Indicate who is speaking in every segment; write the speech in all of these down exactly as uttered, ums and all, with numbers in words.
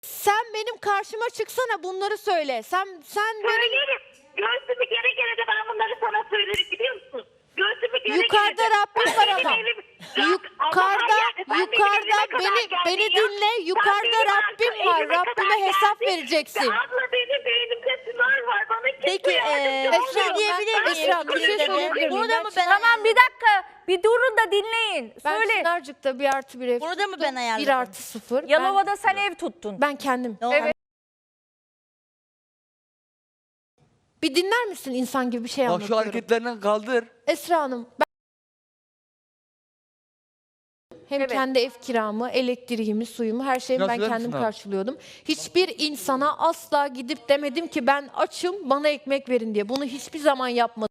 Speaker 1: Sen benim karşıma çıksana, bunları söyle. Sen sen benim
Speaker 2: Söylerim. Göğsümü gere gere de ben bunları sana söylerim, biliyor musun? Göğsümü gere
Speaker 1: yukarıda
Speaker 2: gere de.
Speaker 1: Rabbim
Speaker 2: Ben
Speaker 1: var
Speaker 2: benim
Speaker 1: ama.
Speaker 2: evim-
Speaker 1: Yukarıda,
Speaker 2: Allah'a yani sen benim
Speaker 1: yukarıda
Speaker 2: evime kadar
Speaker 1: beni
Speaker 2: geldin
Speaker 1: beni
Speaker 2: ya.
Speaker 1: dinle.
Speaker 2: Sen
Speaker 1: Yukarıda
Speaker 2: benim
Speaker 1: Rabbim
Speaker 2: arka-
Speaker 1: var.
Speaker 2: evime kadar
Speaker 1: Rabbime hesap
Speaker 2: geldin.
Speaker 1: vereceksin.
Speaker 2: Ve abla benim beynimde tümör var. Bana kimse
Speaker 3: Peki,
Speaker 2: yardımcı
Speaker 3: eee,
Speaker 2: olmuyor.
Speaker 1: Esra,
Speaker 3: şey diyebilir
Speaker 1: ben-
Speaker 3: miyim?
Speaker 1: Esra, bir şey
Speaker 3: Size de?
Speaker 1: söyleyebilir miyim?
Speaker 3: Burada
Speaker 1: Ben
Speaker 3: mı ben
Speaker 4: Tamam bir dakika. Bir durun da dinleyin.
Speaker 1: Ben
Speaker 4: Söyle.
Speaker 1: Çınarcık'ta bir artı bir ev
Speaker 3: Burada mı
Speaker 1: tuttum.
Speaker 3: ben ayarladım?
Speaker 1: Bir artı sıfır.
Speaker 4: Yalova'da sen ev tuttun.
Speaker 1: Ben, ben kendim.
Speaker 3: Ne oldu?
Speaker 4: Evet.
Speaker 1: Bir dinler misin, insan gibi bir şey
Speaker 5: Bak şu
Speaker 1: anlatıyorum.
Speaker 5: hareketlerinden kaldır.
Speaker 1: Esra Hanım, ben hem
Speaker 4: Evet.
Speaker 1: kendi ev kiramı, elektriğimi, suyumu, her şeyimi
Speaker 5: Nasıl
Speaker 1: ben
Speaker 5: verir
Speaker 1: kendim
Speaker 5: misin abi?
Speaker 1: karşılıyordum. Hiçbir insana asla gidip demedim ki ben açım, bana ekmek verin diye. Bunu hiçbir zaman yapmadım.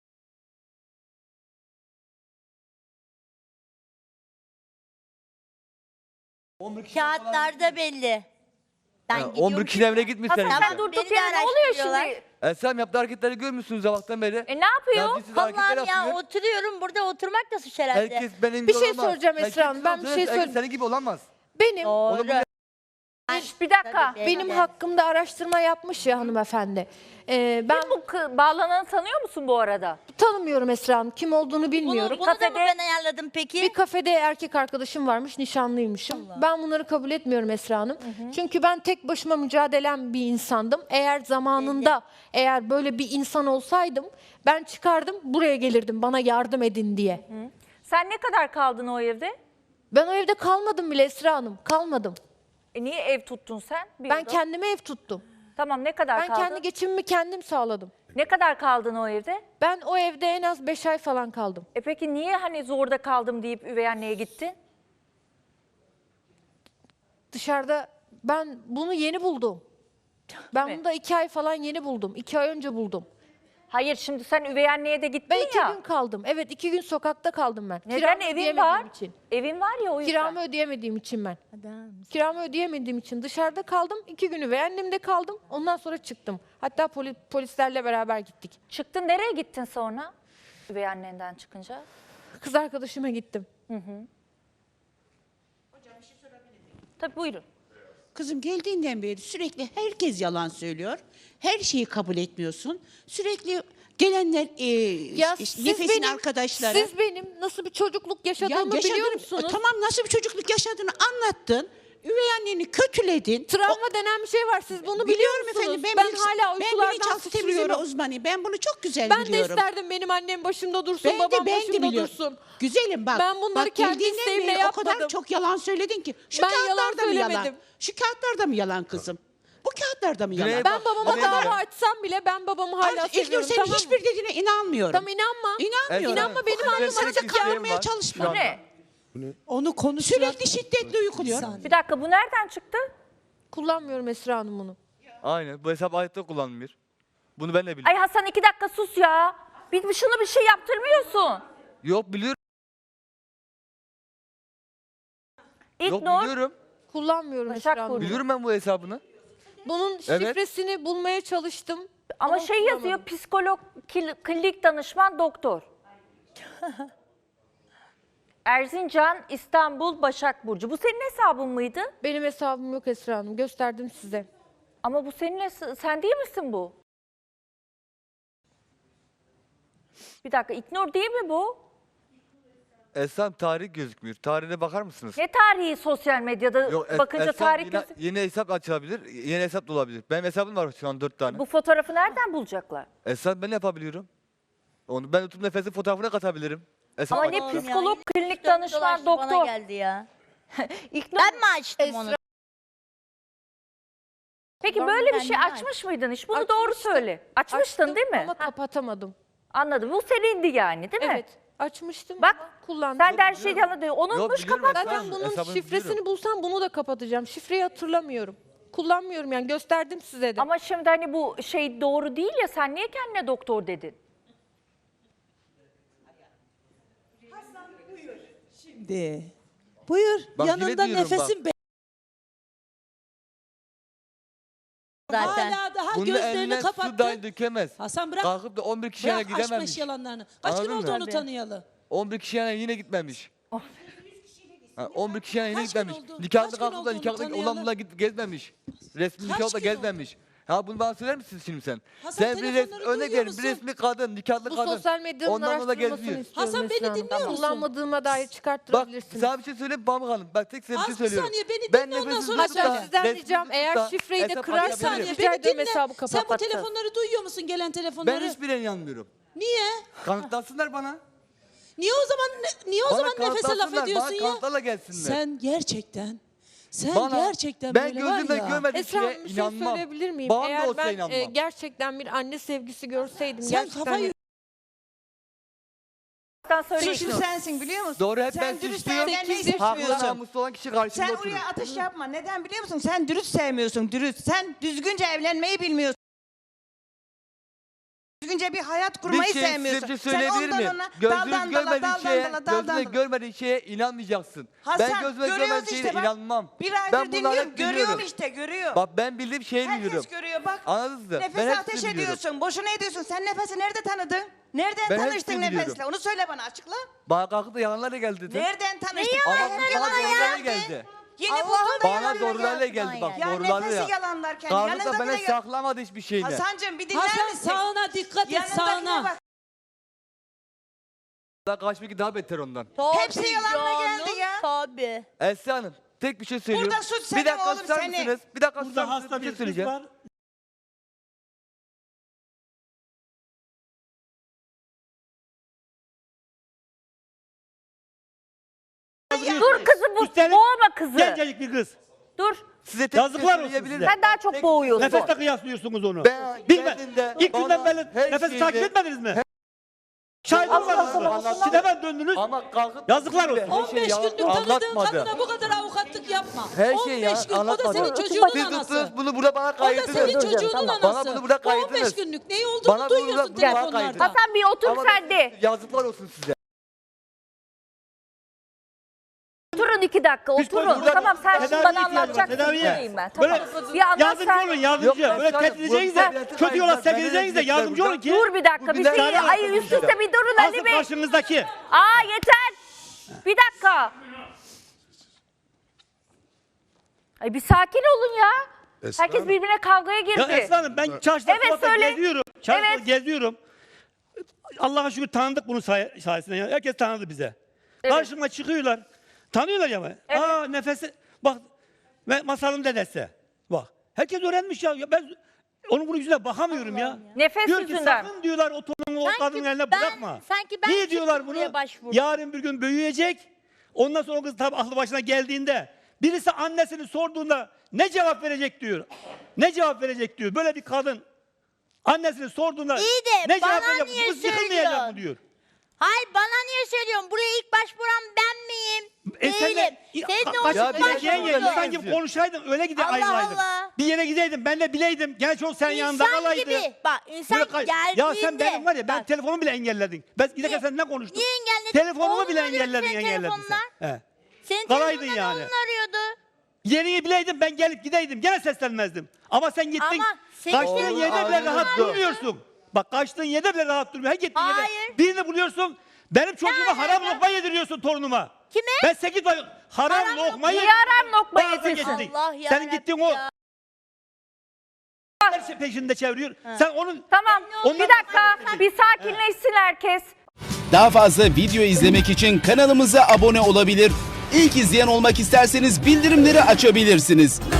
Speaker 3: Kağıtlarda belli. Ben
Speaker 5: Ya,
Speaker 3: gidiyorum
Speaker 5: on bir kişinin evine gitmişler.
Speaker 4: Hasan
Speaker 5: işte.
Speaker 4: sen durduk
Speaker 3: Beni de
Speaker 4: yere ne oluyor
Speaker 3: araştırıyorlar.
Speaker 4: şimdi?
Speaker 5: Esra'm yaptığı hareketleri görmüşsünüz sabahtan beri.
Speaker 4: E ne yapıyor?
Speaker 5: Ya, siz hareketler
Speaker 3: Allah'ım ya
Speaker 5: yapıyor.
Speaker 3: oturuyorum burada, oturmak da suç herhalde.
Speaker 5: Herkes benim
Speaker 1: Bir
Speaker 5: gibi
Speaker 1: şey
Speaker 5: olamaz.
Speaker 1: soracağım
Speaker 5: Herkes
Speaker 1: Esra Hanım, ben bir
Speaker 5: olsun,
Speaker 1: şey
Speaker 5: herkes
Speaker 1: söyle-
Speaker 5: senin gibi olamaz.
Speaker 1: Benim
Speaker 5: Onu
Speaker 3: Doğru.
Speaker 5: bu-
Speaker 4: Şş, bir dakika.
Speaker 3: Tabii,
Speaker 1: benim
Speaker 3: evet.
Speaker 1: hakkımda araştırma yapmış ya hanımefendi. Ee, ben
Speaker 4: Bu kı- bağlananı tanıyor musun bu arada?
Speaker 1: tanımıyorum Esra Hanım, kim olduğunu
Speaker 3: Bunu,
Speaker 1: bilmiyorum.
Speaker 3: bunu da mı
Speaker 4: Kafede-
Speaker 3: ben ayarladım peki?
Speaker 1: Bir kafede erkek arkadaşım varmış, nişanlıymışım. Ben bunları kabul etmiyorum Esra Hanım. Çünkü ben tek başıma mücadelem bir insandım. Eğer zamanında, eğer böyle bir insan olsaydım, ben çıkardım, buraya gelirdim bana yardım edin diye.
Speaker 4: Sen ne kadar kaldın o evde?
Speaker 1: Ben o evde kalmadım bile Esra Hanım, kalmadım.
Speaker 4: E niye ev tuttun sen? Bir
Speaker 1: Ben
Speaker 4: oda.
Speaker 1: kendime ev tuttum.
Speaker 4: Tamam ne kadar
Speaker 1: Ben
Speaker 4: kaldın?
Speaker 1: kendi geçimimi kendim sağladım.
Speaker 4: Ne kadar kaldın o evde?
Speaker 1: Ben o evde en az beş ay falan kaldım.
Speaker 4: E peki niye hani zorda kaldım deyip üvey anneye gittin?
Speaker 1: Dışarıda ben bunu yeni buldum. Ben
Speaker 4: mi?
Speaker 1: bunu da iki ay falan yeni buldum. İki ay önce buldum.
Speaker 4: Hayır şimdi sen üvey anneye de gittin
Speaker 1: Ben iki
Speaker 4: ya.
Speaker 1: gün kaldım. Evet, iki gün sokakta kaldım ben.
Speaker 4: Neden
Speaker 1: Kiramı
Speaker 4: evin
Speaker 1: ödeyemediğim
Speaker 4: var?
Speaker 1: için.
Speaker 4: Evin var ya o yüzden.
Speaker 1: Kiramı ödeyemediğim için ben.
Speaker 3: Adam.
Speaker 1: Kiramı ödeyemediğim için dışarıda kaldım. İki günü ve annemde kaldım. Ondan sonra çıktım. Hatta poli- polislerle beraber gittik.
Speaker 4: Çıktın nereye gittin sonra? Üvey annenden çıkınca.
Speaker 1: Kız arkadaşıma gittim.
Speaker 4: Tabii buyurun.
Speaker 6: Kızım geldiğinden beri sürekli herkes yalan söylüyor. Her şeyi kabul etmiyorsun. Sürekli gelenler e,
Speaker 1: Ya
Speaker 6: işte
Speaker 1: siz
Speaker 6: nefesin
Speaker 1: benim,
Speaker 6: arkadaşları.
Speaker 1: siz benim nasıl bir çocukluk yaşadığımı
Speaker 6: yaşadın-
Speaker 1: biliyor musunuz?
Speaker 6: Tamam, nasıl bir çocukluk yaşadığını anlattın. Üvey anneni kötüledin.
Speaker 1: Travma denen bir şey var. Siz bunu biliyor
Speaker 6: Biliyorum
Speaker 1: musunuz?
Speaker 6: efendim. Ben,
Speaker 1: ben
Speaker 6: bilinç-
Speaker 1: hala
Speaker 6: ben
Speaker 1: uykulardan
Speaker 6: bilinçaltı temizleme
Speaker 1: sıçrıyorum.
Speaker 6: uzmanıyım. Ben bunu çok güzel
Speaker 1: Ben de
Speaker 6: biliyorum.
Speaker 1: isterdim benim annem başımda dursun,
Speaker 6: Ben
Speaker 1: babam
Speaker 6: de ben de
Speaker 1: başımda
Speaker 6: biliyorum.
Speaker 1: dursun.
Speaker 6: Güzelim bak.
Speaker 1: Ben bunları
Speaker 6: bak,
Speaker 1: kendi
Speaker 6: geldiğinden
Speaker 1: isteğimle
Speaker 6: beri O kadar
Speaker 1: yapmadım.
Speaker 6: çok yalan söyledin ki. Şu
Speaker 1: Ben yalan
Speaker 6: kağıtlarda mı yalan?
Speaker 1: söylemedim.
Speaker 6: Şu kağıtlarda mı yalan kızım? Bu kağıtlarda mı yalan?
Speaker 5: Güney-
Speaker 1: Ben babama
Speaker 5: Bak,
Speaker 1: dava
Speaker 5: bak.
Speaker 1: açsam bile ben babamı hala
Speaker 6: Artık İlknur,
Speaker 1: seviyorum.
Speaker 6: senin
Speaker 1: Tamam mı?
Speaker 6: hiçbir dediğine inanmıyorum.
Speaker 1: Tamam, inanma.
Speaker 6: İnanmıyorum.
Speaker 1: İnanma, benim
Speaker 6: O kadar
Speaker 1: annem
Speaker 6: sana
Speaker 5: açık
Speaker 6: kandırmaya
Speaker 5: isteğim var
Speaker 6: çalışma.
Speaker 5: şu
Speaker 4: Bu ne?
Speaker 7: Onu konuşturan...
Speaker 6: Sürekli şiddetle uykuluyor.
Speaker 4: Bir dakika bu nereden çıktı?
Speaker 1: Kullanmıyorum Esra Hanım bunu.
Speaker 5: Aynen. Bu hesap hayatta kullanılmıyor. Bunu ben de biliyorum.
Speaker 4: Ay Hasan iki dakika sus ya. Bir, bir şunu bir şey yaptırmıyorsun.
Speaker 5: Yok biliyorum. Yok
Speaker 4: İlknur.
Speaker 5: biliyorum.
Speaker 1: Kullanmıyorum
Speaker 4: Başak
Speaker 1: Esra Hanım.
Speaker 4: Burcu.
Speaker 5: Biliyorum ben bu hesabını.
Speaker 1: Bunun
Speaker 5: Evet.
Speaker 1: şifresini bulmaya çalıştım.
Speaker 4: Ama şey yazıyor
Speaker 1: bulamadım.
Speaker 4: psikolog, kil- klinik danışman, doktor. Erzincan, İstanbul, Başak Burcu. Bu senin hesabın mıydı?
Speaker 1: Benim hesabım yok Esra Hanım. Gösterdim size.
Speaker 4: Ama bu senin hes- sen değil misin bu? Bir dakika İknur değil mi bu?
Speaker 5: Esra'm tarih gözükmüyor. Tarihine bakar mısınız?
Speaker 4: Ne tarihi sosyal medyada
Speaker 5: Yok, Es-
Speaker 4: bakınca
Speaker 5: Esra'm
Speaker 4: tarih
Speaker 5: yine-
Speaker 4: gözü-
Speaker 5: yeni hesap açılabilir. Yeni hesap da olabilir. Benim hesabım var şu an dört tane.
Speaker 4: Bu fotoğrafı nereden bulacaklar?
Speaker 5: Esra'm ben yapabiliyorum. Onu ben YouTube nefesi fotoğrafına katabilirim. Hesap
Speaker 4: Ama ne
Speaker 5: açacağım.
Speaker 4: psikolog, klinik
Speaker 3: Dön
Speaker 4: danışman,
Speaker 3: dolaştı, Bana
Speaker 4: doktor.
Speaker 3: geldi ya.
Speaker 4: İknur.
Speaker 3: Ben mi açtım onu?
Speaker 4: Peki
Speaker 3: Ben
Speaker 4: böyle bir şey
Speaker 3: kendime
Speaker 4: açmış mıydın hiç? Bunu doğru
Speaker 1: Açmıştım.
Speaker 4: söyle. Açmıştın
Speaker 1: Açtım
Speaker 4: değil mi?
Speaker 1: Ama
Speaker 4: Ha,
Speaker 1: kapatamadım.
Speaker 4: anladım. Bu senindi yani değil mi?
Speaker 1: Evet. Açmıştım
Speaker 4: Bak,
Speaker 1: ama kullandım.
Speaker 4: Sen de her şeyi anladın. Unutmuş
Speaker 5: biliyorum
Speaker 4: kapat.
Speaker 5: Esra.
Speaker 1: Zaten bunun
Speaker 5: Hesabını
Speaker 1: şifresini
Speaker 5: biliyorum.
Speaker 1: bulsam bunu da kapatacağım. Şifreyi hatırlamıyorum. Kullanmıyorum yani, gösterdim size de.
Speaker 4: Ama şimdi hani bu şey doğru değil ya sen niye kendine doktor dedin?
Speaker 7: Şimdi. Buyur.
Speaker 5: Bak, yine
Speaker 7: Yanında
Speaker 5: diyorum
Speaker 7: nefesin be.
Speaker 3: Zaten.
Speaker 7: Hala daha
Speaker 5: Bunun
Speaker 7: gözlerini
Speaker 5: eline su
Speaker 7: kapattı.
Speaker 5: dahi dökemez.
Speaker 7: Hasan bırak.
Speaker 5: Kalkıp da on bir kişiye
Speaker 7: Bırak
Speaker 5: gidememiş.
Speaker 7: aşk yalanlarını. Kaç gün
Speaker 5: Anladın
Speaker 7: oldu
Speaker 5: mı?
Speaker 7: onu tanıyalı?
Speaker 5: on bir kişiye yine gitmemiş. Ha, on bir kişiye yeni
Speaker 7: Kaç gün
Speaker 5: gitmemiş.
Speaker 7: oldu?
Speaker 5: Nikahlı
Speaker 7: Kaç gün
Speaker 5: kalkıp da
Speaker 7: oldu
Speaker 5: nikahlı
Speaker 7: onu tanıyalı?
Speaker 5: olanla git gezmemiş. Resmi
Speaker 7: Kaç
Speaker 5: nikahla
Speaker 7: gün
Speaker 5: gezmemiş. Ha bunu bana söyler misin şimdi sen?
Speaker 7: Hasan,
Speaker 5: sen bir res,
Speaker 7: telefonları
Speaker 5: örnek
Speaker 7: duyuyor
Speaker 5: verin bir
Speaker 7: musun?
Speaker 5: resmi kadın, nikahlı
Speaker 1: Bu
Speaker 5: kadın.
Speaker 1: sosyal medyanın
Speaker 5: Ondan da
Speaker 1: araştırılmasını
Speaker 5: geziyor.
Speaker 1: istiyorum
Speaker 7: Hasan, beni
Speaker 1: Esra Hanım.
Speaker 7: dinliyor musun?
Speaker 1: Kullanmadığıma dair
Speaker 5: Bak
Speaker 1: çıkarttırabilirsiniz.
Speaker 5: sana bir şey söyleyeyim Pamuk Hanım. Bak tek size bir
Speaker 7: Az
Speaker 5: şey
Speaker 7: bir
Speaker 5: söylüyorum.
Speaker 7: saniye, beni
Speaker 5: ben
Speaker 7: dinle, ondan
Speaker 5: nefessiz
Speaker 7: sonra
Speaker 5: tutup da,
Speaker 1: Hatta sizden
Speaker 5: resmi
Speaker 1: ricam
Speaker 5: tutup
Speaker 1: eğer
Speaker 5: da
Speaker 1: şifreyi de
Speaker 5: hesap
Speaker 7: Bir
Speaker 1: kırarsanız
Speaker 5: açabilirim.
Speaker 7: saniye
Speaker 1: rica
Speaker 7: beni
Speaker 1: ederim
Speaker 7: dinle.
Speaker 1: hesabı
Speaker 7: Sen bu
Speaker 1: kapatacağız.
Speaker 7: telefonları duyuyor musun, gelen
Speaker 5: Ben
Speaker 7: telefonları?
Speaker 5: hiçbirine inanmıyorum.
Speaker 7: Niye?
Speaker 5: Kanıtlasınlar bana.
Speaker 7: Niye o zaman niye o
Speaker 5: Bana
Speaker 7: zaman nefese laf
Speaker 5: kanıtlasınlar,
Speaker 7: ediyorsun
Speaker 5: bana
Speaker 7: ya?
Speaker 5: kanıtlarla gelsinler.
Speaker 7: Sen gerçekten sen
Speaker 5: Bana-
Speaker 7: gerçekten
Speaker 5: ben
Speaker 7: böyle var
Speaker 5: gözümle
Speaker 7: ya.
Speaker 5: görmediğim
Speaker 1: Esra Hanım
Speaker 5: şeye
Speaker 1: bir şey
Speaker 5: inanmam.
Speaker 1: söyleyebilir miyim?
Speaker 5: Bağım da
Speaker 1: Eğer
Speaker 5: olsa
Speaker 1: ben
Speaker 5: inanmam.
Speaker 1: e, gerçekten bir anne sevgisi görseydim,
Speaker 7: Sen
Speaker 1: gerçekten
Speaker 7: kafayı
Speaker 4: söyleyin.
Speaker 8: Suçlu sensin biliyor musun?
Speaker 5: Doğru, hep ben
Speaker 8: Sen dürüst
Speaker 5: suçluyum.
Speaker 8: evlenmeyi
Speaker 1: Sekiz yaş-
Speaker 5: Haklı
Speaker 8: istemiyorsun.
Speaker 5: namuslu olan kişi karşımda
Speaker 8: Sen
Speaker 5: oturur.
Speaker 8: oraya atış yapma. Neden biliyor musun? Sen dürüst sevmiyorsun, dürüst. Sen düzgünce evlenmeyi bilmiyorsun. Düzgünce bir hayat kurmayı
Speaker 5: bir şey size
Speaker 8: sevmiyorsun.
Speaker 5: bir şey
Speaker 8: Sen
Speaker 5: söyleyebilir
Speaker 8: ondan
Speaker 5: miyim?
Speaker 8: ona
Speaker 5: Gözünüz
Speaker 8: daldan dala,
Speaker 5: görmediği
Speaker 8: daldan
Speaker 5: şeye,
Speaker 8: dala, daldan
Speaker 5: gözünüz
Speaker 8: dala.
Speaker 5: görmediği şeye inanmayacaksın.
Speaker 8: Hasan,
Speaker 5: ben gözüme
Speaker 8: görüyoruz
Speaker 5: görmediğim şeye
Speaker 8: işte bak.
Speaker 5: inanmam.
Speaker 8: Bir
Speaker 5: ben
Speaker 8: aydır
Speaker 5: bunları
Speaker 8: dinliyorum,
Speaker 5: hep
Speaker 8: görüyorum
Speaker 5: biliyorum.
Speaker 8: işte, görüyor.
Speaker 5: Bak ben bildiğim şeyi
Speaker 8: Herkes
Speaker 5: biliyorum.
Speaker 8: görüyor bak.
Speaker 5: Anladınız mı? Ben
Speaker 8: Nefese
Speaker 5: hepsini
Speaker 8: ateş
Speaker 5: biliyorum.
Speaker 8: ediyorsun. Boşuna ediyorsun. Sen nefesi nerede tanıdın? Nereden
Speaker 5: Ben
Speaker 8: tanıştın
Speaker 5: hepsini
Speaker 8: nefesle?
Speaker 5: biliyorum.
Speaker 8: Onu söyle bana, açıkla.
Speaker 5: Bana kalkıp da yalanlarla geldi dedi.
Speaker 8: Nereden tanıştın?
Speaker 5: Ama
Speaker 8: Yalan
Speaker 5: bana doğrularla
Speaker 8: ya.
Speaker 5: geldi.
Speaker 8: Yeni
Speaker 3: Allah'ım
Speaker 8: buldun da
Speaker 5: Bana
Speaker 8: yalanla
Speaker 5: doğrularla
Speaker 8: geldin.
Speaker 5: geldi bak
Speaker 8: Ya
Speaker 5: doğrularla
Speaker 8: nefesi
Speaker 5: ya.
Speaker 8: yalanlarken
Speaker 5: Kalkıp
Speaker 8: yanında
Speaker 5: da bana
Speaker 8: bile...
Speaker 5: saklamadı hiçbir şeyini.
Speaker 8: Hasancığım bir dinler
Speaker 7: Hasan
Speaker 8: misin?
Speaker 7: sağına dikkat et,
Speaker 8: Yanındakine
Speaker 7: sağına.
Speaker 8: bak.
Speaker 5: Daha kaçmak daha beter ondan.
Speaker 3: Tabii
Speaker 8: Hepsi yalanla
Speaker 3: canım,
Speaker 8: geldi ya.
Speaker 3: Tabii.
Speaker 5: Esra Hanım tek bir şey söylüyorum.
Speaker 8: Burada suç senin
Speaker 5: bir dakika
Speaker 8: oğlum,
Speaker 5: susar
Speaker 8: senin.
Speaker 5: mısınız? Bir dakika susar
Speaker 9: Burada
Speaker 5: mısınız?
Speaker 9: hasta
Speaker 5: Bir şey
Speaker 9: bir kız
Speaker 5: söyleyeceğim.
Speaker 9: var.
Speaker 4: Dur kızı bu,
Speaker 9: Üstelik
Speaker 4: boğma kızı.
Speaker 9: Gencecik bir kız.
Speaker 4: Dur.
Speaker 5: Size tek bir şey
Speaker 9: Yazıklar olsun
Speaker 5: söyleyebilir
Speaker 9: size.
Speaker 5: miyim?
Speaker 4: Sen daha çok boğuyorsun.
Speaker 9: Nefesle kıyaslıyorsunuz onu.
Speaker 5: Ben
Speaker 9: Bilme.
Speaker 5: geldiğimde
Speaker 9: İlk
Speaker 5: bana
Speaker 9: günden beri
Speaker 5: her
Speaker 9: nefesi
Speaker 5: şeyi-
Speaker 9: takip etmediniz mi? Şahit olmadınız. Siz hemen döndünüz.
Speaker 5: Ama kalkıp
Speaker 9: Yazıklar olsun.
Speaker 5: her şeyi
Speaker 7: on beş
Speaker 5: yalan
Speaker 7: gündür tanıdığın
Speaker 5: anlatmadı.
Speaker 7: kadına bu kadar avukatlık yapma.
Speaker 5: Her
Speaker 7: on
Speaker 5: şeyi
Speaker 7: beş gün, o da
Speaker 5: anlatmadı.
Speaker 7: senin
Speaker 5: Siz
Speaker 7: çocuğunun
Speaker 5: tuttunuz
Speaker 7: anası.
Speaker 5: bunu burada bana
Speaker 7: O da
Speaker 5: kaydediniz.
Speaker 7: senin çocuğunun anası.
Speaker 5: Bana bunu burada
Speaker 7: Bu on beş
Speaker 5: kaydediniz.
Speaker 7: günlük ne olduğunu
Speaker 5: Bana bunu
Speaker 7: duyuyorsun
Speaker 5: burada
Speaker 7: telefonlarda.
Speaker 5: kaydedin.
Speaker 4: Hasan bir otur
Speaker 5: Ama
Speaker 4: sen de.
Speaker 5: yazıklar olsun size.
Speaker 4: Oturun iki dakika oturun.
Speaker 9: burada
Speaker 4: Tamam sen şimdi
Speaker 9: tedavi
Speaker 4: bana
Speaker 9: ihtiyacı var,
Speaker 4: anlatacaksın.
Speaker 9: tedaviye.
Speaker 4: Dinleyeyim ben.
Speaker 9: Böyle
Speaker 4: Tamam. Bir anlat
Speaker 9: yardımcı
Speaker 4: sen.
Speaker 9: olun yardımcı.
Speaker 5: Yok,
Speaker 9: Böyle
Speaker 5: ben
Speaker 9: tehdit edeceğiniz de
Speaker 5: sana-
Speaker 9: kötü yola
Speaker 5: Ben-
Speaker 9: sevk
Speaker 5: ben-
Speaker 9: edeceğiniz de
Speaker 5: ben-
Speaker 9: yardımcı olun ki.
Speaker 4: Dur bir dakika
Speaker 5: Bu
Speaker 4: bir
Speaker 5: bir
Speaker 4: şey.
Speaker 5: dakika.
Speaker 4: Ay üst üste bir durun
Speaker 9: Asıl
Speaker 4: Ali Bey.
Speaker 9: karşınızdaki.
Speaker 4: Aa yeter. Bir dakika. Ay bir sakin olun ya. Herkes birbirine kavgaya girdi.
Speaker 9: Ya Esra Hanım ben çarşıda
Speaker 4: Evet,
Speaker 9: sokakta
Speaker 4: söyle.
Speaker 9: geziyorum. Çarşıda
Speaker 4: Evet.
Speaker 9: geziyorum. Allah'a şükür tanıdık bunun say- sayesinde. Yani herkes tanıdı bize.
Speaker 4: Evet.
Speaker 9: Karşıma çıkıyorlar. Tanıyorlar ya.
Speaker 4: Evet.
Speaker 9: Aa nefesi. Bak ve masalın dedesi. Bak. Herkes öğrenmiş ya. Ya ben onun bunun yüzüne bakamıyorum ya.
Speaker 4: Nefes
Speaker 9: Diyor ki
Speaker 4: yüzünden.
Speaker 9: sakın diyorlar o torunu o
Speaker 3: Sanki
Speaker 9: kadının eline
Speaker 3: ben-
Speaker 9: bırakma.
Speaker 3: sanki ben
Speaker 9: Niye diyorlar
Speaker 3: çıktım
Speaker 9: bunu?
Speaker 3: buraya başvurdum.
Speaker 9: Yarın bir gün büyüyecek. Ondan sonra o kız tabii aklı başına geldiğinde birisi annesini sorduğunda ne cevap verecek diyor. Ne cevap verecek diyor. Böyle bir kadın annesini sorduğunda
Speaker 3: İyi de
Speaker 9: ne cevap
Speaker 3: bana
Speaker 9: verecek?
Speaker 3: niye
Speaker 9: Bu kız yıkılmayacak mı
Speaker 3: söylüyorsun?
Speaker 9: diyor.
Speaker 3: Hayır bana niye söylüyorsun? Buraya ilk başvuran ben miyim?
Speaker 9: E sen de-
Speaker 3: Değilim.
Speaker 9: Ya,
Speaker 3: Senin
Speaker 9: ka-
Speaker 3: o
Speaker 9: kaç-
Speaker 5: Ya
Speaker 3: ilk
Speaker 5: bir
Speaker 9: gideceğin
Speaker 5: dakika,
Speaker 9: yerde
Speaker 3: başvurun.
Speaker 9: sanki konuşaydın öyle gide
Speaker 3: Allah
Speaker 9: ayrılaydın.
Speaker 3: Allah.
Speaker 9: Bir yere gideydim ben de bileydim. Genç ol sen yanında
Speaker 3: İnsan
Speaker 9: kalaydı.
Speaker 3: gibi. Bak insan
Speaker 9: Böyle kay-
Speaker 3: geldiğinde.
Speaker 9: Ya sen benim var ya ben
Speaker 3: Bak,
Speaker 9: telefonumu bile engelledin. Ben giderken sen ne konuştun?
Speaker 3: Niye engelledin?
Speaker 9: Telefonumu bile
Speaker 3: Oğlum arıyordu
Speaker 9: engelledin
Speaker 3: senin
Speaker 9: engelledin sen.
Speaker 3: telefonla.
Speaker 9: He.
Speaker 3: Senin
Speaker 9: Kalaydın
Speaker 3: telefondan
Speaker 9: yani.
Speaker 3: oğlun arıyordu.
Speaker 9: Yerini bileydim ben gelip gideydim gene seslenmezdim. Ama sen gittin
Speaker 3: Ama senin
Speaker 9: kaçtığın
Speaker 3: telefonun
Speaker 9: yerde bile rahat
Speaker 5: arıyordu.
Speaker 9: durmuyorsun. Bak kaçtığın yerde bile rahat durmuyor. Her gittiğin yerde
Speaker 3: Hayır.
Speaker 9: birini buluyorsun. Benim çocuğuma
Speaker 3: Yani
Speaker 9: haram
Speaker 3: ya.
Speaker 9: lokma yediriyorsun torunuma.
Speaker 3: Kime?
Speaker 9: Ben sekiz ay haram,
Speaker 3: Haram
Speaker 9: lokma
Speaker 4: Niye
Speaker 9: yedim.
Speaker 4: aram lokma
Speaker 9: Bazı
Speaker 4: yedirsin?
Speaker 9: geçti.
Speaker 3: Allah
Speaker 9: Senin
Speaker 3: yarabbim
Speaker 9: gittiğin o
Speaker 3: ya.
Speaker 9: her şey peşinde çeviriyor. Sen onun
Speaker 4: Tamam.
Speaker 9: Ondan-
Speaker 4: Bir dakika. Bir sakinleşsin herkes.
Speaker 10: Daha fazla video izlemek için kanalımıza abone olabilir. İlk izleyen olmak isterseniz bildirimleri açabilirsiniz.